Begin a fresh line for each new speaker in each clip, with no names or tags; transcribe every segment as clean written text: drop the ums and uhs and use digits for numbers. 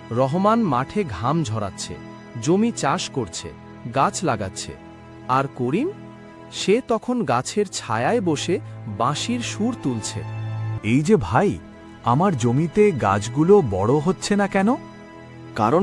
রহমান মাঠে ঘাম ঝরাচ্ছে, জমি চাষ করছে, গাছ লাগাচ্ছে। আর করিম, সে তখন গাছের ছায়ায় বসে বাঁশির সুর তুলছে।
এই যে ভাই, আমার জমিতে গাছগুলো বড় হচ্ছে না কেন?
কারণ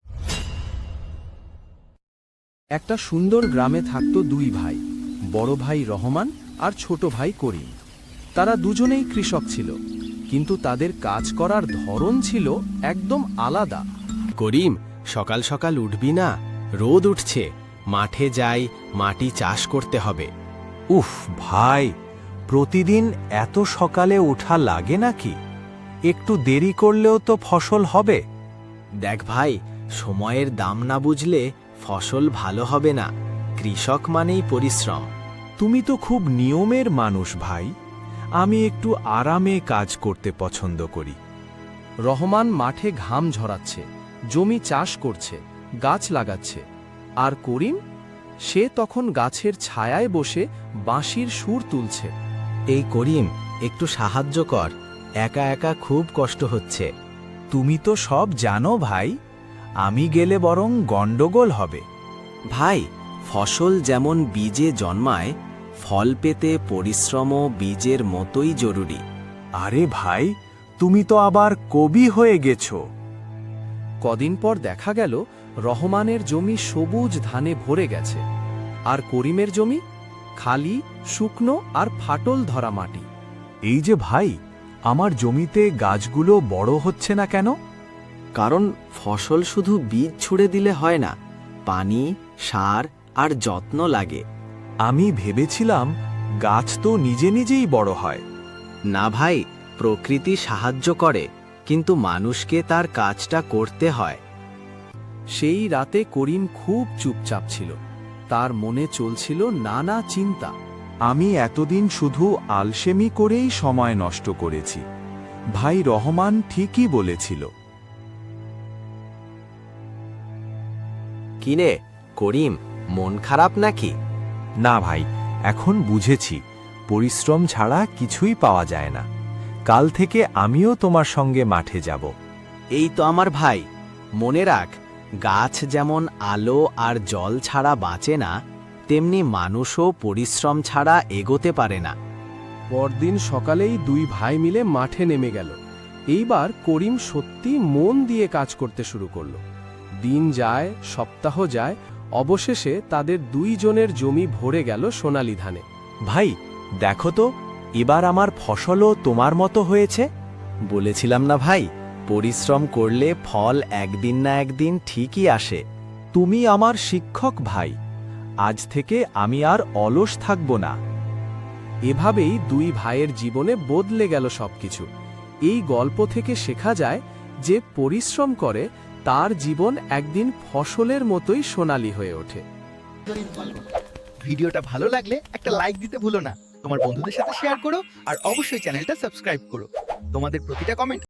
একটা সুন্দর গ্রামে থাকত দুই ভাই, বড় ভাই রহমান আর ছোট ভাই করিম। তারা দুজনেই কৃষক ছিল, কিন্তু তাদের কাজ করার ধরন ছিল একদম আলাদা।
করিম, সকাল সকাল উঠবি না? রোদ উঠছে, মাঠে যাই, মাটি চাষ করতে হবে।
উফ ভাই, প্রতিদিন এত সকালে ওঠা লাগে নাকি? একটু দেরি করলেও তো ফসল হবে।
দেখ ভাই, সময়ের দাম না বুঝলে ফসল ভালো হবে না। কৃষক মানেই পরিশ্রম।
তুমি তো খুব নিয়মের মানুষ ভাই। আমি একটু আরামে কাজ করতে পছন্দ করি।
রহমান মাঠে ঘাম ঝরাচ্ছে, জমি চাষ করছে, গাছ লাগাচ্ছে। আর করিম, সে তখন গাছের ছায়ায় বসে বাঁশির সুর তুলছে।
এই করিম, একটু সাহায্য কর, একা একা খুব কষ্ট হচ্ছে।
তুমি তো সব জানো ভাই, আমি গেলে বরং গন্ডগোল হবে।
ভাই, ফসল যেমন বীজে জন্মায়, ফল পেতে পরিশ্রমও বীজের মতোই জরুরি।
আরে ভাই, তুমি তো আবার কবি হয়ে গেছো।
কদিন পর দেখা গেল রহমানের জমি সবুজ ধানে ভরে গেছে, আর করিমের জমি খালি, শুকনো আর ফাটল ধরা মাটি।
এই যে ভাই, আমার জমিতে গাছগুলো বড় হচ্ছে না কেন?
কারণ ফসল শুধু বীজ ছুড়ে দিলে হয় না, পানি, সার আর যত্ন লাগে।
আমি ভেবেছিলাম গাছ তো নিজে নিজেই বড় হয়।
না ভাই, প্রকৃতি সাহায্য করে, কিন্তু মানুষকে তার কাজটা করতে হয়।
সেই রাতে করিম খুব চুপচাপ ছিল, তার মনে চলছিল নানা চিন্তা।
আমি এতদিন শুধু আলসেমি করেই সময় নষ্ট করেছি। ভাই রহমান ঠিকই বলেছিল।
কিনে করিম, মন খারাপ নাকি?
না ভাই, এখন বুঝেছি পরিশ্রম ছাড়া কিছুই পাওয়া যায় না। কাল থেকে আমিও তোমার সঙ্গে মাঠে যাব।
এই তো আমার ভাই, মনে রাখ, গাছ যেমন আলো আর জল ছাড়া বাঁচে না, তেমনি মানুষও পরিশ্রম ছাড়া এগোতে পারে না।
পরদিন সকালেই দুই ভাই মিলে মাঠে নেমে গেল। এইবার করিম সত্যি মন দিয়ে কাজ করতে শুরু করল। দিন যায়, সপ্তাহ যায়, অবশেষে তাদের দুইজনের জমি ভরে গেল সোনালি ধানে।
ভাই দেখো তো, এবার আমার ফসলও তোমার মতো হয়েছে।
বলেছিলাম না ভাই, পরিশ্রম করলে ফল একদিন না একদিন ঠিকই আসে।
তুমি আমার শিক্ষক ভাই, আজ থেকে আমি আর অলস থাকব না।
এভাবেই দুই ভাইয়ের জীবনে বদলে গেল সবকিছু। এই গল্প থেকে শেখা যায় যে পরিশ্রম করে তার জীবন একদিন ফসলের মতোই সোনালী হয়ে ওঠে।
ভিডিওটা ভালো লাগলে একটা লাইক দিতে ভুলো না, তোমার বন্ধুদের সাথে শেয়ার করো, আর অবশ্যই চ্যানেলটা সাবস্ক্রাইব করো। তোমাদের প্রতিটা কমেন্ট